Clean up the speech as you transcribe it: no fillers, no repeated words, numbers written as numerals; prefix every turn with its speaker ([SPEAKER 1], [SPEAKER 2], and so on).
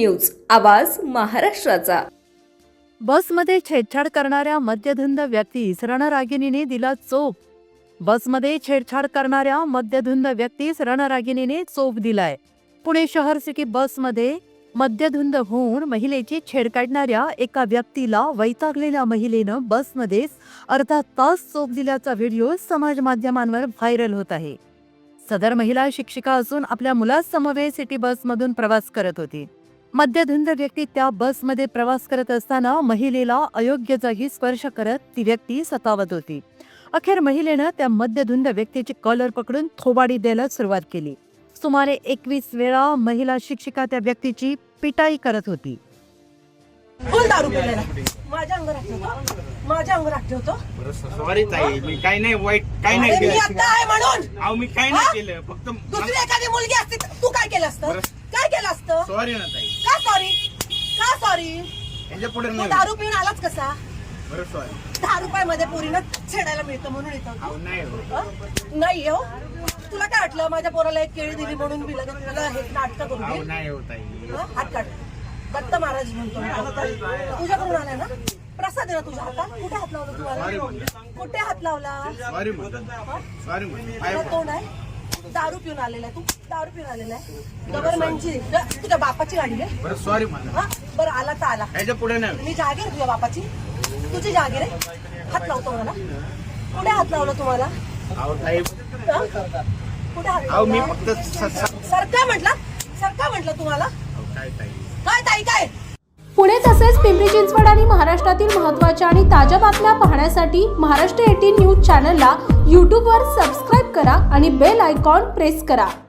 [SPEAKER 1] News, आवाज महाराष्ट्राचा।
[SPEAKER 2] बसमध्ये छेडछाड करणाऱ्या मद्यधुंद व्यक्तीस रणरागिणीने दिला चोप। बसमध्ये छेडछाड करणाऱ्या मद्यधुंद व्यक्तीस रणरागिणीने चोप दिलाय। पुणे शहर सिटी बसमध्ये मद्यधुंद होऊन महिलेची छेड काढणाऱ्या एका व्यक्तीला वैतागलेल्या महिलेनं बसमध्येच अर्धा तास चोप दिल्याचा व्हिडिओ समाज माध्यमांवर व्हायरल होत आहे। सदर महिला शिक्षिका असून आपल्या मुलासमवेत सिटी बसमधून प्रवास करत होती। मद्यधुंद व्यक्ती त्या बसमध्ये प्रवास करत असताना महिलेला अयोग्य जागी स्पर्श करत ती व्यक्ती सतावत होती। अखेर महिलेनं त्या मद्यधुंद व्यक्तीची कॉलर पकडून थोबाडी द्यायला सुरुवात केली। सुमारे 21 वेळा महिला शिक्षिका त्या व्यक्तीची पिटाई करत होती।
[SPEAKER 3] फुल दारू पिलेला माझ्या अंगावर ठेवतो।
[SPEAKER 4] सॉरी ताई, मी काही नाही वाईट काही नाही
[SPEAKER 3] मी
[SPEAKER 4] केलं।
[SPEAKER 3] आता आहे म्हणून
[SPEAKER 4] अहो मी काही नाही केलं, फक्त
[SPEAKER 3] दुसरी एखादी मुलगी असती तर तू काय केलं असतं? काय केलं असतं?
[SPEAKER 4] सॉरी ना ताई।
[SPEAKER 3] का सॉरी? का सॉरी?
[SPEAKER 4] याच्या पुढे
[SPEAKER 3] तू
[SPEAKER 4] नाही।
[SPEAKER 3] दारू पिऊन आलाच कसा?
[SPEAKER 4] बरं सॉरी।
[SPEAKER 3] 10 रुपयामध्ये पोरीनं छेडायला मिळतं म्हणून येतो।
[SPEAKER 4] अहो नाही हो।
[SPEAKER 3] नाही हो, तुला काय वाटलं माझ्या पोराला एक केळी दिली म्हणून मी लगेच तुला हे नाटक करू
[SPEAKER 4] अहो
[SPEAKER 3] दे?
[SPEAKER 4] नाही हो ताई।
[SPEAKER 3] हात काढ। दत्त महाराज म्हणतो मी. तुझ्याकडून आलाय ना प्रसाद आहे ना तुझ्या हातात? कुठे हात लावला तुम्हाला? कुठे हात लावला?
[SPEAKER 4] सॉरी सॉरी
[SPEAKER 3] तुला तोंड आहे? दारू पिऊन आलेला आहे तू? दारू पिऊन आलेला आहे? गव्हर्नमेंटची तुझ्या बापाची गाडी आहे?
[SPEAKER 4] बरं सॉरी म्हणा।
[SPEAKER 3] हा बरं, आला तर आला।
[SPEAKER 4] याच्या पुढे नाही।
[SPEAKER 3] मी जागीर तुझ्या बापाची? तुझी जागीर आहे? हात लावतो मला? कुठे हात लावला तुम्हाला?
[SPEAKER 4] अहो ताई,
[SPEAKER 3] कुठे हात
[SPEAKER 4] अहो मी
[SPEAKER 3] लावला?
[SPEAKER 4] फक्त
[SPEAKER 3] सरका म्हटलं तुम्हाला?
[SPEAKER 4] काय ताई?
[SPEAKER 3] काय ताई काय?
[SPEAKER 1] पुणे तसेच पिंपरी चिंचवड आणि महाराष्ट्रातील महत्त्वाच्या आणि ताज्या बातम्या पाहण्यासाठी महाराष्ट्र 18 न्यूज चॅनलला यूट्यूबवर सबस्क्राईब करा आणि बेल आयकॉन प्रेस करा।